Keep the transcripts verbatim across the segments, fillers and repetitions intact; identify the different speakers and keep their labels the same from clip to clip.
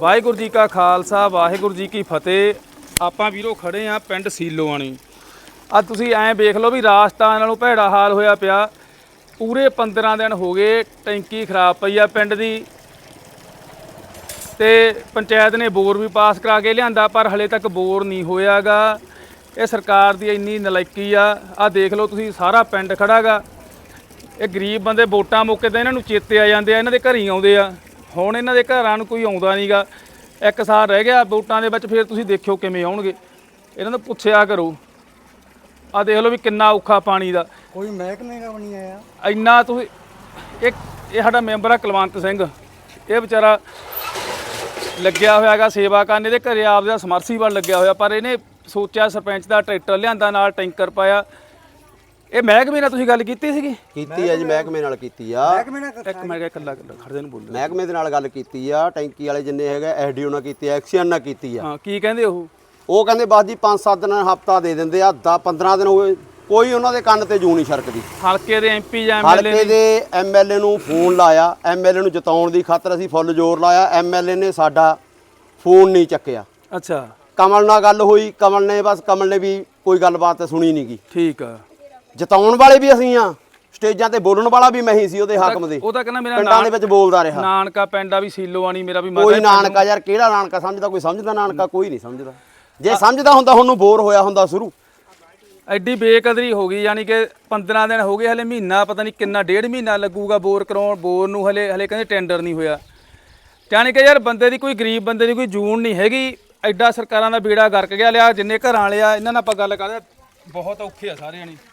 Speaker 1: ਵਾਹਿਗੁਰੂ जी का खालसा वाहिगुरू जी की फतेह। ਆਪਾਂ ਵੀਰੋ ਖੜੇ ਆ ਪਿੰਡ ਸੀਲੋਆਣੀ। ਆ ਤੁਸੀਂ ਐਂ ਵੇਖ ਲਓ ਵੀ ਰਾਜਸਥਾਨ ਨਾਲੋਂ ਭੈੜਾ ਹਾਲ ਹੋਇਆ ਪਿਆ। ਪੂਰੇ ਪੰਦਰਾਂ ਦਿਨ ਹੋ ਗਏ ਟੈਂਕੀ ਖਰਾਬ ਪਈ ਆ ਪਿੰਡ ਦੀ ਤੇ ਪੰਚਾਇਤ ਨੇ ਬੋਰ ਵੀ ਪਾਸ ਕਰਾ ਕੇ ਲਿਆਂਦਾ ਪਰ ਹਲੇ ਤੱਕ ਬੋਰ ਨਹੀਂ ਹੋਇਆਗਾ। ਇਹ ਸਰਕਾਰ ਦੀ ਇੰਨੀ ਨਲਾਇਕੀ ਆ। ਆ ਦੇਖ ਲਓ ਤੁਸੀਂ ਸਾਰਾ ਪਿੰਡ ਖੜਾਗਾ। ਇਹ ਗਰੀਬ ਬੰਦੇ ਵੋਟਾਂ ਮੌਕੇ ਤੇ ਇਹਨਾਂ ਨੂੰ ਚੇਤੇ ਆ ਜਾਂਦੇ ਆ, ਇਹਨਾਂ ਦੇ ਘਰ ਹੀ ਆਉਂਦੇ ਆ। ਹੁਣ ਇਹਨਾਂ ਦੇ ਘਰਾਂ ਨੂੰ ਕੋਈ ਆਉਂਦਾ ਨਹੀਂਗਾ। ਇੱਕ ਸਾਲ ਰਹਿ ਗਿਆ ਵੋਟਾਂ ਦੇ ਵਿੱਚ, ਫਿਰ ਤੁਸੀਂ ਦੇਖਿਓ ਕਿਵੇਂ ਆਉਣਗੇ। ਇਹਨਾਂ ਨੂੰ ਪੁੱਛਿਆ ਕਰੋ। ਆ ਦੇਖ ਲਓ ਵੀ ਕਿੰਨਾ ਔਖਾ ਪਾਣੀ ਦਾ।
Speaker 2: ਕੋਈ ਮਹਿਕਮੇ ਦਾ ਨਹੀਂ ਆਇਆ
Speaker 1: ਇੰਨਾ ਤੁਸੀਂ ਇੱਕ ਇਹ ਸਾਡਾ ਮੈਂਬਰ ਆ ਕੁਲਵੰਤ ਸਿੰਘ। ਇਹ ਵਿਚਾਰਾ ਲੱਗਿਆ ਹੋਇਆ ਹੈਗਾ ਸੇਵਾ ਕਰਨ। ਇਹਦੇ ਘਰੇ ਆਪਦਾ ਸਮਰਸੀਬਲ ਲੱਗਿਆ ਹੋਇਆ ਪਰ ਇਹਨੇ ਸੋਚਿਆ ਸਰਪੰਚ ਦਾ ਟਰੈਕਟਰ ਲਿਆਂਦਾ ਨਾਲ ਟੈਂਕਰ ਪਾਇਆ। ਇਹ ਮਹਿਕਮੇ ਨਾਲ ਤੁਸੀਂ ਗੱਲ ਕੀਤੀ ਸੀਗੀ?
Speaker 3: ਕੀਤੀ ਆ ਜੀ, ਮਹਿਕਮੇ ਨਾਲ ਕੀਤੀ ਆ।
Speaker 2: ਮਹਿਕਮੇ ਨਾਲ
Speaker 1: ਇੱਕ ਮੈਂ ਕਿਹਾ ਇਕੱਲਾ ਇਕੱਲਾ ਖੜਦੇ ਨੂੰ ਬੋਲੋ।
Speaker 3: ਮਹਿਕਮੇ ਦੇ ਨਾਲ ਗੱਲ ਕੀਤੀ ਆ, ਟੈਂਕੀ ਵਾਲੇ ਜਿੰਨੇ ਹੈਗੇ ਐਸਡੀਓ ਨਾਲ ਕੀਤੀ ਆ, ਐਕਸੀਅਨ ਨਾਲ ਕੀਤੀ ਆ।
Speaker 1: ਹਾਂ ਕੀ ਕਹਿੰਦੇ ਉਹ?
Speaker 3: ਉਹ ਕਹਿੰਦੇ ਬਸ ਜੀ ਪੰਜ ਸੱਤ ਦਿਨ ਹਫਤਾ ਦੇ ਦਿੰਦੇ ਆ, ਦਸ ਪੰਦਰਾਂ ਦਿਨ ਹੋਏ ਕੋਈ ਉਹਨਾਂ ਦੇ ਕੰਨ ਤੇ ਜੂ ਨਹੀਂ ਛਰਕਦੀ।
Speaker 1: ਹਲਕੇ ਦੇ ਐਮਪੀ ਜਾਂ ਐਮਐਲਏ
Speaker 3: ਹਲਕੇ ਦੇ ਐਮਐਲਏ ਨੂੰ ਫੋਨ ਲਾਇਆ, ਐਮਐਲਏ ਨੂੰ ਜਿਤਾਉਣ ਦੀ ਖਾਤਰ ਅਸੀਂ ਫੁੱਲ ਜ਼ੋਰ ਲਾਇਆ। ਐਮਐਲਏ ਨੇ ਸਾਡਾ ਫੋਨ ਨਹੀਂ ਚੱਕਿਆ।
Speaker 1: ਅੱਛਾ
Speaker 3: ਕਮਲ ਨਾਲ ਗੱਲ ਹੋਈ, ਕਮਲ ਨੇ ਬਸ ਕਮਲ ਨੇ ਵੀ ਕੋਈ ਗੱਲਬਾਤ ਸੁਣੀ ਨਹੀਂ ਗੀ।
Speaker 1: ਠੀਕ ਆ।
Speaker 3: ਜਿਤਾਉਣ ਵਾਲੇ ਵੀ ਅਸੀਂ ਆ, ਸਟੇਜਾਂ ਤੇ ਬੋਲਣ ਵਾਲਾ ਵੀ ਮੈਂ ਹੀ ਸੀ ਉਹਦੇ ਹਾਕਮ ਦੇ।
Speaker 1: ਉਹ ਤਾਂ ਕਹਿੰਦਾ ਮੇਰਾ
Speaker 3: ਪਿੰਡਾਂ ਦੇ ਵਿੱਚ ਬੋਲਦਾ ਰਿਹਾ।
Speaker 1: ਨਾਨਕਾ ਪਿੰਡ ਆ ਵੀ ਸੀਲੋਆਣੀ ਮੇਰਾ ਵੀ।
Speaker 3: ਕੋਈ ਨਾਨਕਾ ਯਾਰ ਕਿਹੜਾ ਨਾਨਕਾ ਸਮਝਦਾ? ਕੋਈ ਸਮਝਦਾ ਨਾਨਕਾ? ਕੋਈ ਨਹੀਂ ਸਮਝਦਾ। ਜੇ ਸਮਝਦਾ ਹੁੰਦਾ ਹੁਣ ਨੂੰ ਬੋਰ ਹੋਇਆ ਹੁੰਦਾ ਸ਼ੁਰੂ।
Speaker 1: ਐਡੀ ਬੇਕਦਰੀ ਹੋ ਗਈ। ਯਾਨੀ ਕਿ ਪੰਦਰਾਂ ਦਿਨ ਹੋ ਗਏ, ਹਲੇ ਮਹੀਨਾ ਪਤਾ ਨਹੀਂ ਕਿੰਨਾ ਡੇਢ ਮਹੀਨਾ ਲੱਗੂਗਾ ਬੋਰ ਕਰਾਉਣ। ਬੋਰ ਨੂੰ ਹਲੇ ਹਲੇ ਕਹਿੰਦੇ ਟੈਂਡਰ ਨਹੀਂ ਹੋਇਆ। ਯਾਨੀ ਕਿ ਯਾਰ ਬੰਦੇ ਦੀ ਕੋਈ ਗਰੀਬ ਬੰਦੇ ਦੀ ਕੋਈ ਜੂਨ ਨਹੀਂ ਹੈਗੀ। ਐਡਾ ਸਰਕਾਰਾਂ ਦਾ ਬੇੜਾ ਗਰਕ ਗਿਆ ਲਿਆ। ਜਿੰਨੇ ਘਰਾਂ ਵਾਲੇ ਆ ਇਹਨਾਂ ਨਾਲ ਆਪਾਂ ਗੱਲ ਕਰਦੇ ਬਹੁਤ ਔਖੇ ਆ ਸਾਰਿਆਂ ਨੇ।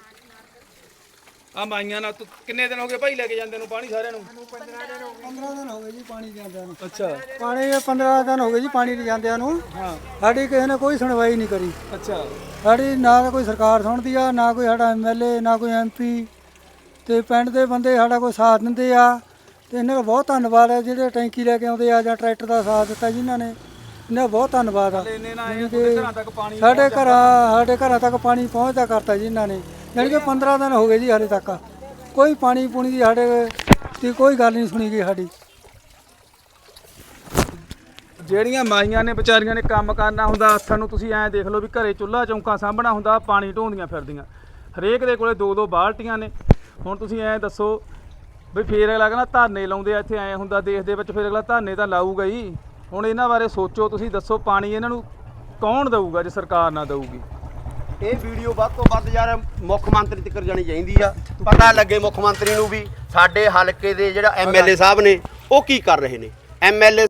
Speaker 1: ਆ ਮਾਈਆਂ ਨਾਲ ਕਿੰਨੇ ਦਿਨ ਹੋ ਗਏ ਭਾਈ ਲੈ ਕੇ ਜਾਂਦੇ ਨੂੰ ਪਾਣੀ ਸਾਰਿਆਂ ਨੂੰ?
Speaker 2: ਪੰਦਰਾਂ ਦਿਨ ਹੋ ਗਏ ਜੀ ਪਾਣੀ ਜਾਂਦਿਆਂ ਨੂੰ।
Speaker 1: ਅੱਛਾ
Speaker 2: ਪਾਣੀ ਪੰਦਰਾਂ ਦਿਨ ਹੋ ਗਏ ਜੀ ਪਾਣੀ ਜਾਂਦਿਆਂ ਨੂੰ।
Speaker 1: ਹਾਂ
Speaker 2: ਸਾਡੀ ਕਿਸੇ ਨੇ ਕੋਈ ਸੁਣਵਾਈ ਨਹੀਂ ਕਰੀ।
Speaker 1: ਅੱਛਾ
Speaker 2: ਸਾਡੀ ਨਾ ਤਾਂ ਕੋਈ ਸਰਕਾਰ ਸੁਣਦੀ ਆ, ਨਾ ਕੋਈ ਸਾਡਾ ਐਮਐਲਏ, ਨਾ ਕੋਈ ਐਮਪੀ। ਤੇ ਪਿੰਡ ਦੇ ਬੰਦੇ ਸਾਡਾ ਕੋਈ ਸਾਥ ਦਿੰਦੇ ਆ ਤੇ ਇਹਨਾਂ ਦਾ ਬਹੁਤ ਧੰਨਵਾਦ ਹੈ ਜਿਹੜੇ ਟੈਂਕੀ ਲੈ ਕੇ ਆਉਂਦੇ ਆ ਜਾਂ ਟਰੈਕਟਰ ਦਾ ਸਾਥ ਦਿੱਤਾ ਜਿਨ੍ਹਾਂ ਨੇ। ਇਹਨਾਂ ਦਾ ਬਹੁਤ ਧੰਨਵਾਦ ਆ।
Speaker 1: ਘਰਾਂ ਤੱਕ ਪਾਣੀ
Speaker 2: ਸਾਡੇ ਘਰਾਂ ਸਾਡੇ ਘਰਾਂ ਤੱਕ ਪਾਣੀ ਪਹੁੰਚਦਾ ਕਰਤਾ ਜੀ ਇਹਨਾਂ ਨੇ। ਜਾਣੀ ਕਿ ਪੰਦਰਾਂ ਦਿਨ ਹੋ ਗਏ ਜੀ ਹਾਲੇ ਤੱਕ ਕੋਈ ਪਾਣੀ ਪੂਣੀ ਦੀ ਸਾਡੇ ਦੀ ਕੋਈ ਗੱਲ ਨਹੀਂ ਸੁਣੀ ਗਈ ਸਾਡੀ।
Speaker 1: ਜਿਹੜੀਆਂ ਮਾਈਆਂ ਨੇ ਵਿਚਾਰੀਆਂ ਨੇ ਕੰਮ ਕਰਨਾ ਹੁੰਦਾ ਹੱਥਾਂ ਨੂੰ, ਤੁਸੀਂ ਐਂ ਦੇਖ ਲਓ ਵੀ ਘਰੇ ਚੁੱਲ੍ਹਾ ਚੌਂਕਾ ਸਾਂਭਣਾ ਹੁੰਦਾ, ਪਾਣੀ ਢੋਂਦੀਆਂ ਫਿਰਦੀਆਂ। ਹਰੇਕ ਦੇ ਕੋਲੇ ਦੋ ਦੋ ਬਾਲਟੀਆਂ ਨੇ। ਹੁਣ ਤੁਸੀਂ ਐਂ ਦੱਸੋ ਵੀ ਫੇਰ ਅਗਲਾ ਕਹਿੰਦਾ ਧਰਨੇ ਲਾਉਂਦੇ ਆ ਇੱਥੇ, ਐਂ ਹੁੰਦਾ ਦੇਸ਼ ਦੇ ਵਿੱਚ, ਫਿਰ ਅਗਲਾ ਧਰਨੇ ਤਾਂ ਲਾਊਗਾ ਹੀ। ਹੁਣ ਇਹਨਾਂ ਬਾਰੇ ਸੋਚੋ ਤੁਸੀਂ, ਦੱਸੋ ਪਾਣੀ ਇਹਨਾਂ ਨੂੰ ਕੌਣ ਦਊਗਾ ਜੇ ਸਰਕਾਰ ਨਾ ਦਊਗੀ?
Speaker 3: ਇਹ ਵੀਡੀਓ ਵੱਧ ਤੋਂ ਵੱਧ ਯਾਰ ਮੁੱਖ ਮੰਤਰੀ ਤੱਕ ਜਾਣੀ ਚਾਹੀਦੀ ਆ। ਪਤਾ ਲੱਗੇ ਮੁੱਖ ਮੰਤਰੀ ਨੂੰ ਵੀ ਸਾਡੇ ਹਲਕੇ ਦੇ ਜਿਹੜਾ ਐਮਐਲਏ ਸਾਹਿਬ ਨੇ ਉਹ ਕੀ ਕਰ ਰਹੇ ਨੇ। ਐਮਐਲਏ